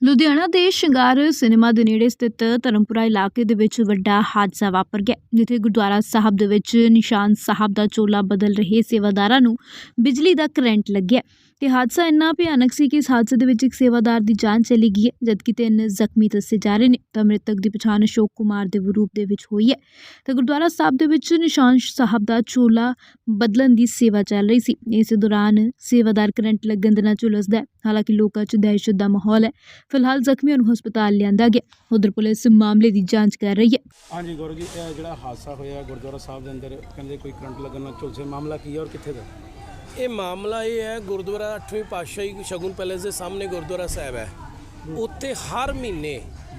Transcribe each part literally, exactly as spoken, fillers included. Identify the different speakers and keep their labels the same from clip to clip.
Speaker 1: ਲੁਧਿਆਣਾ ਦੇ ਸ਼ਿੰਗਾਰ ਸਿਨੇਮਾ ਦੇ ਨੇੜੇ ਸਥਿਤ ਧਰਮਪੁਰਾ ਇਲਾਕੇ ਦੇ ਵਿੱਚ ਵੱਡਾ ਹਾਦਸਾ ਵਾਪਰ ਗਿਆ, ਜਿੱਥੇ ਗੁਰਦੁਆਰਾ ਸਾਹਿਬ ਦੇ ਵਿੱਚ ਨਿਸ਼ਾਨ ਸਾਹਿਬ ਦਾ ਚੋਲਾ ਬਦਲ ਰਹੇ ਸੇਵਾਦਾਰਾਂ ਨੂੰ ਬਿਜਲੀ ਦਾ ਕਰੰਟ ਲੱਗਿਆ ਤੇ ਹਾਦਸਾ ਇੰਨਾ ਭਿਆਨਕ ਸੀ ਕਿ ਇਸ ਹਾਦਸੇ ਦੇ ਵਿੱਚ ਇੱਕ ਸੇਵਾਦਾਰ ਦੀ ਜਾਨ ਚਲੀ ਗਈ ਹੈ, ਜਦਕਿ ਤਿੰਨ ਜ਼ਖਮੀ ਦੱਸੇ ਜਾ ਰਹੇ ਨੇ। ਤਾਂ ਮ੍ਰਿਤਕ ਦੀ ਪਛਾਣ ਅਸ਼ੋਕ ਕੁਮਾਰ ਦੇ ਰੂਪ ਦੇ ਵਿੱਚ ਹੋਈ ਹੈ ਤੇ ਗੁਰਦੁਆਰਾ ਸਾਹਿਬ ਦੇ ਵਿੱਚ ਨਿਸ਼ਾਨ ਸਾਹਿਬ ਦਾ ਚੋਲਾ ਬਦਲਣ ਦੀ ਸੇਵਾ ਚੱਲ ਰਹੀ ਸੀ। ਇਸ ਦੌਰਾਨ ਸੇਵਾਦਾਰ ਕਰੰਟ ਲੱਗਣ ਦੇ ਨਾਲ ਝੁਲਸਦਾ ਹੈ। ਹਾਲਾਂਕਿ ਲੋਕਾਂ 'ਚ ਦਹਿਸ਼ਤ ਦਾ ਮਾਹੌਲ ਹੈ। ਫਿਲਹਾਲ ਜ਼ਖਮੀਆਂ ਨੂੰ ਹਸਪਤਾਲ ਲਿਆਂਦਾ ਗਿਆ। ਉਧਰ ਪੁਲਿਸ ਮਾਮਲੇ ਦੀ ਜਾਂਚ ਕਰ ਰਹੀ ਹੈ।
Speaker 2: हाँ जी गौरव जी, ਇਹ ਜਿਹੜਾ ਹਾਦਸਾ ਹੋਇਆ ਗੁਰਦੁਆਰਾ ਸਾਹਿਬ ਦੇ ਅੰਦਰ, ਕਹਿੰਦੇ ਕੋਈ ਕਰੰਟ ਲੱਗਣ ਨਾਲ ਝੁਲਸੇ, ਮਾਮਲਾ ਕੀ ਹੈ ਔਰ ਕਿੱਥੇ ਦਾ?
Speaker 3: ਇਹ ਮਾਮਲਾ ਇਹ ਹੈ, ਗੁਰਦੁਆਰਾ ਅੱਠਵੀਂ ਪਾਤਸ਼ਾਹੀ ਸ਼ਗੁਨ ਪੈਲੇਸ ਦੇ ਸਾਹਮਣੇ ਗੁਰਦੁਆਰਾ ਸਾਹਿਬ ਹੈ। ਉੱਥੇ ਹਰ ਮਹੀਨੇ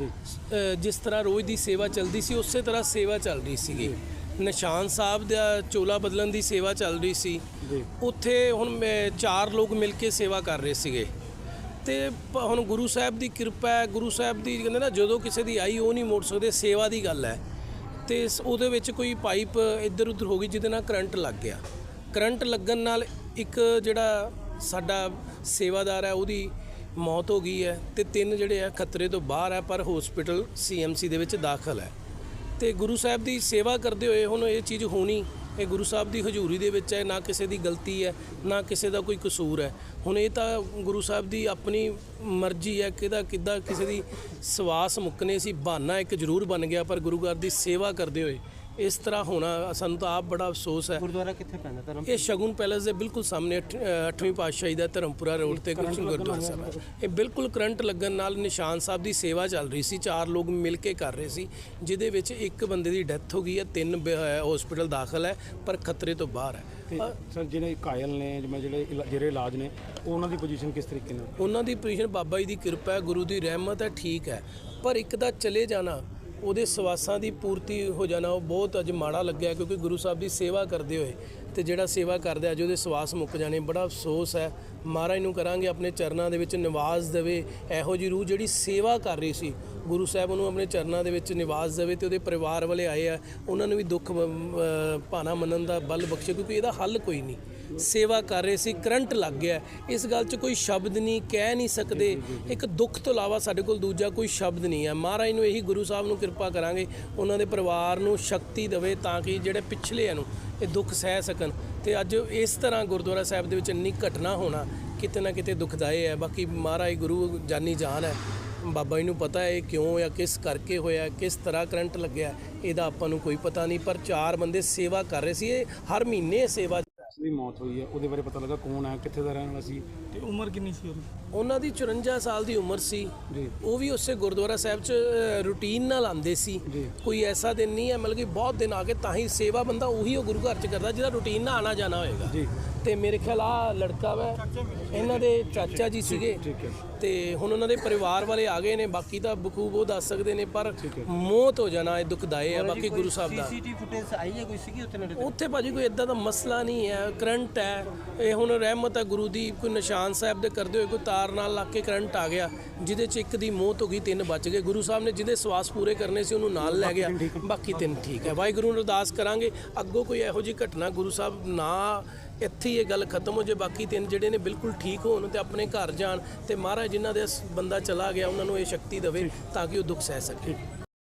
Speaker 3: ਅ, ਜਿਸ ਤਰ੍ਹਾਂ ਰੋਜ਼ ਦੀ ਸੇਵਾ ਚੱਲਦੀ ਸੀ, ਉਸੇ ਤਰ੍ਹਾਂ ਸੇਵਾ ਚੱਲ ਰਹੀ ਸੀਗੀ। ਨਿਸ਼ਾਨ ਸਾਹਿਬ ਦਾ ਚੋਲਾ ਬਦਲਣ ਦੀ ਸੇਵਾ ਚੱਲ ਰਹੀ ਸੀ। ਉੱਥੇ ਹੁਣ ਮੈਂ- ਚਾਰ ਲੋਕ ਮਿਲ ਕੇ ਸੇਵਾ ਕਰ ਰਹੇ ਸੀਗੇ ਤੇ ਪ- ਹੁਣ ਗੁਰੂ ਸਾਹਿਬ ਦੀ ਕਿਰਪਾ ਹੈ। ਗੁਰੂ ਸਾਹਿਬ ਦੀ ਕਹਿੰਦੇ ਨਾ, ਜਦੋਂ ਕਿਸੇ ਦੀ ਆਈ ਉਹ ਨਹੀਂ ਮੋੜ ਸਕਦੇ, ਸੇਵਾ ਦੀ ਗੱਲ ਹੈ। ਤੇ ਸ- ਉਹਦੇ ਵਿੱਚ ਕੋਈ ਪਾਈਪ ਇੱਧਰ ਉੱਧਰ ਹੋ ਗਈ, ਜਿਹਦੇ ਨਾਲ ਕਰੰਟ ਲੱਗ ਗਿਆ। ਕਰੰਟ ਲੱਗਣ ਨਾਲ ਇੱਕ ਜਿਹੜਾ ਸਾਡਾ ਸੇਵਾਦਾਰ ਹੈ, ਉਹਦੀ ਮੌਤ ਹੋ ਗਈ ਹੈ ਤੇ ਤਿੰਨ ਜਿਹੜੇ ਆ ਖਤਰੇ ਤੋਂ ਬਾਹਰ ਹੈ, ਪਰ ਹਸਪੀਟਲ ਸੀ ਐਮ ਸੀ ਦੇ ਵਿੱਚ ਦਾਖਲ ਹੈ। ਤੇ ਗੁਰੂ ਸਾਹਿਬ ਦੀ ਸੇਵਾ ਕਰਦੇ ਹੋਏ ਹੁਣ ਇਹ ਚੀਜ਼ ਹੋਣੀ, ਇਹ ਗੁਰੂ ਸਾਹਿਬ ਦੀ ਹਜ਼ੂਰੀ ਦੇ ਵਿੱਚ ਹੈ। ਨਾ ਕਿਸੇ ਦੀ ਗਲਤੀ ਹੈ, ਨਾ ਕਿਸੇ ਦਾ ਕੋਈ ਕਸੂਰ ਹੈ। ਹੁਣ ਇਹ ਤਾਂ ਗੁਰੂ ਸਾਹਿਬ ਦੀ ਆਪਣੀ ਮਰਜ਼ੀ ਹੈ, ਕਿਹਦਾ ਕਿੱਦਾਂ ਕਿਸੇ ਦੀ ਸਵਾਸ ਮੁੱਕਨੇ ਸੀ। ਬਹਾਨਾ ਇੱਕ ਜ਼ਰੂਰ ਬਣ ਗਿਆ, ਪਰ ਗੁਰੂ ਘਰ ਦੀ ਸੇਵਾ ਕਰਦੇ ਹੋਏ ਇਸ ਤਰ੍ਹਾਂ ਹੋਣਾ ਸਾਨੂੰ ਤਾਂ ਆਪ ਬੜਾ ਅਫਸੋਸ ਹੈ।
Speaker 4: ਗੁਰਦੁਆਰਾ ਕਿੱਥੇ ਪੈਂਦਾ? ਧਰਮ
Speaker 3: ਇਹ ਸ਼ਗੁਨ ਪੈਲੇਸ ਦੇ ਬਿਲਕੁਲ ਸਾਹਮਣੇ ਅੱਠ- ਅ, ਅੱਠਵੀਂ ਪਾਤਸ਼ਾਹੀ ਦਾ ਧਰਮਪੁਰਾ ਰੋਡ ਤੇ ਕੁਝ ਗੁਰਦੁਆਰਾ ਸਾਹਿਬ ਹੈ। ਇਹ ਬਿਲਕੁਲ ਕਰੰਟ ਲੱਗਣ ਨਾਲ ਨਿਸ਼ਾਨ ਸਾਹਿਬ ਦੀ ਸੇਵਾ ਚੱਲ ਰਹੀ ਸੀ। ਚਾਰ ਲੋਕ ਮਿਲ ਕੇ ਕਰ ਰਹੇ ਸੀ, ਜਿਹਦੇ ਵਿੱਚ ਇੱਕ ਬੰਦੇ ਦੀ ਡੈਥ ਹੋ ਗਈ ਹੈ, ਤਿੰਨ ਹਸਪੀਟਲ ਦਾਖਲ ਹੈ, ਪਰ ਖਤਰੇ ਤੋਂ ਬਾਹਰ ਹੈ।
Speaker 2: ਤੇ ਸਰ ਜਿਹੜੇ ਘਾਇਲ ਨੇ, ਜਿਵੇਂ ਜਿਹੜੇ ਇਲਾ- ਜਿਹੜੇ ਇਲਾਜ ਨੇ, ਉਹਨਾਂ ਦੀ ਪੋਜੀਸ਼ਨ ਕਿਸ ਤਰੀਕੇ ਨਾਲ?
Speaker 3: ਉਹਨਾਂ ਦੀ ਪੋਜੀਸ਼ਨ ਬਾਬਾ ਜੀ ਦੀ ਕਿਰਪਾ ਹੈ, ਗੁਰੂ ਦੀ ਰਹਿਮਤ ਹੈ, ਠੀਕ ਹੈ। ਪਰ ਇੱਕ ਦਾ ਚਲੇ ਜਾਣਾ, ਉਹਦੇ ਸਵਾਸਾਂ ਦੀ ਪੂਰਤੀ ਹੋ ਜਾਣਾ, ਉਹ ਬਹੁਤ ਅੱਜ ਮਾੜਾ ਲੱਗਿਆ, ਕਿਉਂਕਿ ਗੁਰੂ ਸਾਹਿਬ ਦੀ ਸੇਵਾ ਕਰਦੇ ਹੋਏ ਤੇ ਜਿਹੜਾ ਸੇਵਾ ਕਰਦਾ ਅੱਜ ਉਹਦੇ ਸਵਾਸ ਮੁੱਕ ਜਾਣੇ, ਬੜਾ ਅਫਸੋਸ ਹੈ। ਮਹਾਰਾਜ ਨੂੰ ਕਰਾਂਗੇ ਆਪਣੇ ਚਰਨਾਂ ਦੇ ਵਿੱਚ ਨਿਵਾਸ ਦੇਵੇ। ਇਹੋ ਜਿਹੀ ਰੂਹ ਜਿਹੜੀ ਸੇਵਾ ਕਰ ਰਹੀ ਸੀ, ਗੁਰੂ ਸਾਹਿਬ ਉਹਨੂੰ ਆਪਣੇ ਚਰਨਾਂ ਦੇ ਵਿੱਚ ਨਿਵਾਸ ਦੇਵੇ ਤੇ ਉਹਦੇ ਪਰਿਵਾਰ ਵਾਲੇ ਆਏ ਆ, ਉਹਨਾਂ ਨੂੰ ਵੀ ਦੁੱਖ ਅ, ਭਾਣਾ ਮੰਨਣ ਦਾ ਬਲ ਬਖਸ਼ੇ, ਕਿਉਂਕਿ ਇਹਦਾ ਹੱਲ ਕੋਈ ਨਹੀਂ। ਸੇਵਾ ਕਰ ਰਹੇ ਸੀ, ਕਰੰਟ ਲੱਗ ਗਿਆ। ਇਸ ਗੱਲ 'ਚ ਕੋਈ ਸ਼ਬਦ ਨਹੀਂ, ਕਹਿ ਨਹੀਂ ਸਕਦੇ। ਇੱਕ ਦੁੱਖ ਤੋਂ ਇਲਾਵਾ ਸਾਡੇ ਕੋਲ ਦੂਜਾ ਕੋਈ ਸ਼ਬਦ ਨਹੀਂ ਹੈ। ਮਹਾਰਾਜ ਨੂੰ ਇਹੀ, ਗੁਰੂ ਸਾਹਿਬ ਨੂੰ ਕਿਰਪਾ ਕਰਾਂਗੇ, ਉਹਨਾਂ ਦੇ ਪਰਿਵਾਰ ਨੂੰ ਸ਼ਕਤੀ ਦੇਵੇ ਤਾਂ ਕਿ ਜਿਹੜੇ ਪਿਛਲੇ ਨੂੰ ਇਹ ਦੁੱਖ ਸਹਿ ਸਕਣ। ਤੇ ਅੱਜ ਇਸ ਤਰ੍ਹਾਂ ਗੁਰਦੁਆਰਾ ਸਾਹਿਬ ਦੇ ਵਿੱਚ ਇੰਨੀ ਘਟਨਾ ਹੋਣਾ ਕਿਤੇ ਨਾ ਕਿਤੇ ਦੁਖਦਾਈ ਹੈ। ਬਾਕੀ ਮਹਾਰਾਜ ਗੁਰੂ ਜਾਨੀ ਜਾਨ ਹੈ, ਬਾਬਾ ਜੀ ਨੂੰ ਪਤਾ ਹੈ ਇਹ ਕਿਉਂ ਜਾਂ ਕਿਸ ਕਰਕੇ ਹੋਇਆ, ਕਿਸ ਤਰ੍ਹਾਂ ਕਰੰਟ ਲੱਗਿਆ, ਇਹਦਾ ਆਪਾਂ ਨੂੰ ਕੋਈ ਪਤਾ ਨਹੀਂ। ਪਰ ਚਾਰ ਬੰਦੇ ਸੇਵਾ ਕਰ ਰਹੇ ਸੀ। ਇਹ ਹਰ ਮਹੀਨੇ ਸੇਵਾ
Speaker 2: ਦੀ ਮੌਤ ਹੋਈ ਹੈ, ਉਹਦੇ ਬਾਰੇ ਪਤਾ ਲੱਗਾ ਕੌਣ ਹੈ, ਕਿੱਥੇ ਦਾ ਰਹਿਣ ਵਾਲਾ ਸੀ
Speaker 4: ਤੇ ਉਮਰ ਕਿੰਨੀ ਸੀ ਉਹਦੀ?
Speaker 3: ਉਹਨਾਂ ਦੀ ਚੁਰੰਜਾ ਸਾਲ ਦੀ ਉਮਰ ਸੀ
Speaker 2: ਜੀ।
Speaker 3: ਉਹ ਵੀ ਉਸੇ ਗੁਰਦੁਆਰਾ ਸਾਹਿਬ 'ਚ ਰੂਟੀਨ ਨਾਲ ਆਉਂਦੇ ਸੀ। ਕੋਈ ਐਸਾ ਦਿਨ ਨਹੀਂ ਹੈ, ਮਤਲਬ ਕਿ ਬਹੁਤ ਦਿਨ ਆ ਕੇ ਤਾਂ ਹੀ ਸੇਵਾ ਬੰਦਾ ਉਹੀ ਉਹ ਗੁਰੂ ਘਰ 'ਚ ਕਰਦਾ ਜਿਹਦਾ ਰੂਟੀਨ ਨਾਲ ਆਣਾ ਜਾਣਾ ਹੋਏਗਾ।
Speaker 2: ਜੀ।
Speaker 3: ਤੇ ਮੇਰੇ ਖਿਆਲ ਆ ਲੜਕਾ ਵਾ, ਇਹਨਾਂ ਦੇ ਚਾਚਾ ਜੀ ਸੀਗੇ।
Speaker 2: ਠੀਕ ਹੈ।
Speaker 3: ਤੇ ਹੁਣ ਉਹਨਾਂ ਦੇ ਪਰਿਵਾਰ ਵਾਲੇ ਆ ਗਏ ਨੇ, ਬਾਕੀ ਤਾਂ ਬਖੂਬ ਉਹ ਦੱਸ ਸਕਦੇ ਨੇ, ਪਰ ਮੌਤ ਹੋ ਜਾਣਾ ਇਹ ਦੁਖਦਾਈ ਹੈ। ਬਾਕੀ ਗੁਰੂ ਸਾਹਿਬ ਦਾ
Speaker 4: ਸੀਸੀਟੀਵੀ ਫੁਟੇਜ ਆਈ ਹੈ ਕੋਈ ਸੀਗੀ ਉੱਥੇ ਨੇੜੇ?
Speaker 3: ਉੱਥੇ ਭਾਜੀ ਕੋਈ ਇਦਾਂ ਦਾ ਮਸਲਾ ਨਹੀਂ ਹੈ। ਕਰੰਟ ਹੈ, ਇਹ ਹੁਣ ਰਹਿਮਤ ਹੈ ਗੁਰੂ ਦੀ। ਕੋਈ ਨਿਸ਼ਾਨ ਸਾਹਿਬ ਦੇ ਕਰਦੇ ਹੋਏ ਕੋਈ ਤਾਰ ਨਾਲ ਲੱਗ ਕੇ ਕਰੰਟ ਆ ਗਿਆ, ਜਿਹਦੇ 'ਚ ਇੱਕ ਦੀ ਮੌਤ ਹੋ ਗਈ, ਤਿੰਨ ਬਚ ਗਏ। ਗੁਰੂ ਸਾਹਿਬ ਨੇ ਜਿਹਦੇ ਸਵਾਸ ਪੂਰੇ ਕਰਨੇ ਸੀ ਉਹਨੂੰ ਨਾਲ ਲੈ ਗਿਆ, ਬਾਕੀ ਤਿੰਨ ਠੀਕ ਹੈ। ਵਾਹਿਗੁਰੂ ਨੂੰ ਅਰਦਾਸ ਕਰਾਂਗੇ ਅੱਗੋਂ ਕੋਈ ਇਹੋ ਜਿਹੀ ਘਟਨਾ ਗੁਰੂ ਸਾਹਿਬ ਨਾ, ਇੱਥੇ ਹੀ ਇਹ ਗੱਲ ਖਤਮ ਹੋ ਜੇ। ਬਾਕੀ ਤਿੰਨ ਜਿਹੜੇ ਨੇ ਬਿਲਕੁਲ ਠੀਕ ਹੋਣ ਤੇ ਆਪਣੇ ਘਰ ਜਾਣ, ਤੇ ਮਹਾਰਾਜ ਜਿਨ੍ਹਾਂ ਦੇ ਬੰਦਾ ਚਲਾ ਗਿਆ ਉਹਨਾਂ ਨੂੰ ਇਹ ਸ਼ਕਤੀ ਦੇਵੇ ਤਾਂ ਕਿ ਉਹ ਦੁੱਖ ਸਹਿ ਸਕੇ।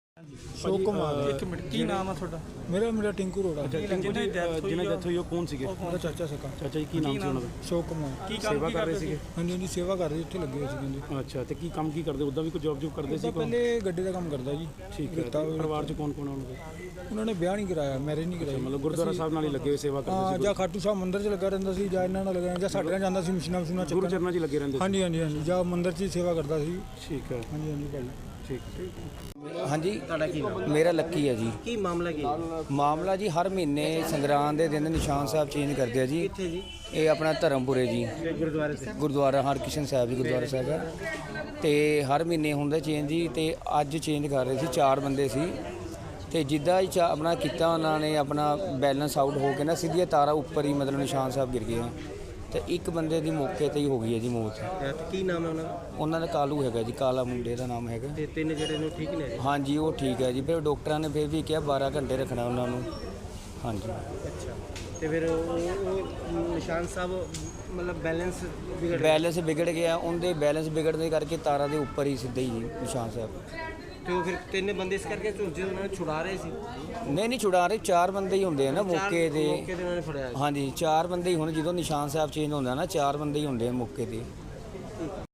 Speaker 5: ਅਸ਼ੋਕ ਕੁਮਾਰ।
Speaker 4: ਇੱਕ ਮਿੰਟ, ਕੀ ਨਾਮ ਆ ਤੁਹਾਡਾ?
Speaker 5: ਮੇਰਾ ਮੇਰਾ ਟਿੰਕੂ ਰੋੜਾ।
Speaker 2: ਟਿੰਕੂ ਜੀ, ਜਿਹਨਾਂ ਡੈਥ ਹੋਈ ਉਹ ਕੌਣ ਸੀਗੇ?
Speaker 5: ਮੇਰਾ ਚਾਚਾ ਸਕਾ।
Speaker 2: ਚਾਚਾ ਜੀ, ਕੀ ਨਾਮ ਸੀ ਉਹਨਾਂ ਦਾ?
Speaker 5: ਅਸ਼ੋਕ ਕੁਮਾਰ।
Speaker 4: ਕੀ
Speaker 2: ਸੇਵਾ ਕਰ ਰਹੇ ਸੀਗੇ?
Speaker 5: ਹਾਂਜੀ ਹਾਂਜੀ, ਸੇਵਾ ਕਰਦੇ ਇੱਥੇ ਲੱਗੇ ਹੋਏ ਸੀ ਕਹਿੰਦੇ।
Speaker 2: ਅੱਛਾ, ਤੇ ਕੀ ਕੰਮ ਕੀ ਕਰਦੇ? ਉੱਦਾਂ ਵੀ ਕੋਈ ਜੌਬ ਜੂਬ ਕਰਦੇ ਸੀ?
Speaker 5: ਤਾਂ ਪਹਿਲੇ ਗੱਡੀ ਦਾ ਕੰਮ ਕਰਦਾ ਜੀ।
Speaker 2: ਠੀਕ ਹੈ। ਤੇ ਪਰਿਵਾਰ 'ਚ ਕੌਣ ਕੌਣ ਉਹਨਾਂ
Speaker 5: ਉਹਨਾਂ ਨੇ ਵਿਆਹ ਨਹੀਂ ਕਰਾਇਆ, ਮੈਰਿਜ ਨਹੀਂ ਕਰਾਈ।
Speaker 2: ਮਤਲਬ ਗੁਰਦੁਆਰਾ ਸਾਹਿਬ ਨਾਲ ਹੀ ਲੱਗੇ ਹੋਏ ਸੇਵਾ ਕਰਦੇ
Speaker 5: ਹਾਂ, ਜਾਂ ਖਾਟੂ ਸਾਹਿਬ ਮੰਦਿਰ 'ਚ ਲੱਗਾ ਰਹਿੰਦਾ ਸੀ, ਜਾਂ ਇਹਨਾਂ ਨਾਲ ਲੱਗਾ, ਜਾਂ ਸਾਡੇ ਨਾਲ ਜਾਂਦਾ ਸੀ ਮਸ਼ੀਨਾਂ ਮਸ਼ੀਨਾਂ
Speaker 2: ਸੀ? ਗੁਰੂ
Speaker 5: ਚੱਕਣ।
Speaker 2: ਚਰਨਾਂ 'ਚ ਹੀ ਲੱਗੇ ਰਹਿੰਦੇ ਸੀ?
Speaker 5: ਹਾਂਜੀ ਹਾਂਜੀ ਹਾਂਜੀ, ਜਾਂ ਮੰਦਿਰ 'ਚ ਹੀ ਸੇਵਾ ਕਰਦਾ ਸੀ।
Speaker 2: ਠੀਕ ਹੈ।
Speaker 5: ਹਾਂਜੀ ਹਾਂਜੀ ਭਾਈ।
Speaker 2: ਠੀਕ।
Speaker 6: ਹਾਂਜੀ,
Speaker 4: ਤੁਹਾਡਾ ਕੀ ਨਾਮ?
Speaker 6: ਮੇਰਾ ਲੱਕੀ ਹੈ ਜੀ।
Speaker 4: ਕੀ ਮਾਮਲਾ ਕੀ ਹੈ?
Speaker 6: ਮਾਮਲਾ ਜੀ, ਹਰ ਮਹੀਨੇ ਸੰਗਰਾਂਦ ਦੇ ਦਿਨ ਨਿਸ਼ਾਨ ਸਾਹਿਬ ਚੇਂਜ ਕਰਦੇ ਆ ਜੀ।
Speaker 4: ਕਿੱਥੇ ਜੀ?
Speaker 6: ਇਹ ਆਪਣਾ ਧਰਮਪੁਰੇ ਜੀ,
Speaker 4: ਗੁਰਦੁਆਰੇ ਤੇ?
Speaker 6: ਗੁਰਦੁਆਰਾ ਹਰਕ੍ਰਿਸ਼ਨ ਸਾਹਿਬ ਜੀ ਗੁਰਦੁਆਰਾ ਸਾਹਿਬ ਹੈ। ਤੇ ਹਰ ਮਹੀਨੇ ਹੁੰਦਾ ਚੇਂਜ ਜੀ, ਤੇ ਅੱਜ ਚੇਂਜ ਕਰ ਰਹੇ ਸੀ। ਚਾਰ ਬੰਦੇ ਸੀ ਤੇ ਜਿੱਦਾਂ ਹੀ ਚਾ- ਆਪਣਾ ਕੀਤਾ ਉਹਨਾਂ ਨੇ, ਆਪਣਾ ਬੈਲੈਂਸ ਆਊਟ ਹੋ ਕੇ ਨਾ ਸਿੱਧੀਆਂ ਤਾਰਾਂ ਉੱਪਰ ਹੀ ਮਤਲਬ ਨਿਸ਼ਾਨ ਸਾਹਿਬ ਗਿਰ ਗਏ। ਤੇ ਇੱਕ ਬੰਦੇ ਦੀ ਮੌਕੇ ਤੇ ਹੀ ਹੋ ਗਈ ਹੈ ਜੀ ਮੌਤ।
Speaker 4: ਤੇ ਕੀ ਨਾਮ ਹੈ ਉਹਨਾਂ ਦਾ?
Speaker 6: ਉਹਨਾਂ ਦਾ ਕਾਲੂ ਹੈਗਾ ਜੀ, ਕਾਲਾ ਮੁੰਡੇ ਦਾ ਨਾਮ ਹੈਗਾ।
Speaker 4: ਤੇ ਤਿੰਨ ਜਿਹੜੇ ਨੂੰ ਠੀਕ ਨੇ?
Speaker 6: ਹਾਂਜੀ, ਉਹ ਠੀਕ ਹੈ ਜੀ। ਫਿਰ ਡਾਕਟਰਾਂ ਨੇ ਫਿਰ ਵੀ ਕਿਹਾ ਬਾਰਾਂ ਘੰਟੇ ਰੱਖਣਾ ਉਹਨਾਂ ਨੂੰ। ਹਾਂਜੀ।
Speaker 4: ਅੱਛਾ, ਤੇ ਫਿਰ ਉਹ ਉਹ ਨਿਸ਼ਾਨ ਸਾਹਿਬ ਮਤਲਬ ਬੈਲੈਂਸ ਵਿਗੜ ਗਿਆ।
Speaker 6: ਬੈਲੈਂਸ ਵਿਗੜ ਗਿਆ, ਉਹਦੇ ਬੈਲੈਂਸ ਵਿਗੜਨ ਦੇ ਕਰਕੇ ਤਾਰਾਂ ਦੇ ਉੱਪਰ ਹੀ ਸਿੱਧੇ ਹੀ ਜੀ ਨਿਸ਼ਾਨ ਸਾਹਿਬ।
Speaker 4: ਤੇ ਉਹ ਫਿਰ ਤਿੰਨ ਬੰਦੇ ਇਸ ਕਰਕੇ ਝੁਲਸੇ ਉਹਨਾਂ ਨੂੰ ਛੁਡਾ ਰਹੇ ਸੀ।
Speaker 6: ਨਹੀਂ ਨਹੀਂ ਛੁਡਾ ਰਹੇ, ਚਾਰ ਬੰਦੇ ਹੀ ਹੁੰਦੇ ਆ ਨਾ
Speaker 4: ਚਾਰ
Speaker 6: ਮੌਕੇ ਤੇ।
Speaker 4: ਮੌਕੇ ਤੇ ਉਹਨਾਂ ਨੇ ਫੜਿਆ।
Speaker 6: ਹਾਂਜੀ ਚਾਰ ਬੰਦੇ ਹੀ ਹੁਣ ਜਦੋਂ ਨਿਸ਼ਾਨ ਸਾਹਿਬ ਚੇਂਜ ਹੁੰਦਾ ਨਾ ਚਾਰ ਬੰਦੇ ਹੀ ਹੁੰਦੇ ਆ ਮੌਕੇ ਤੇ।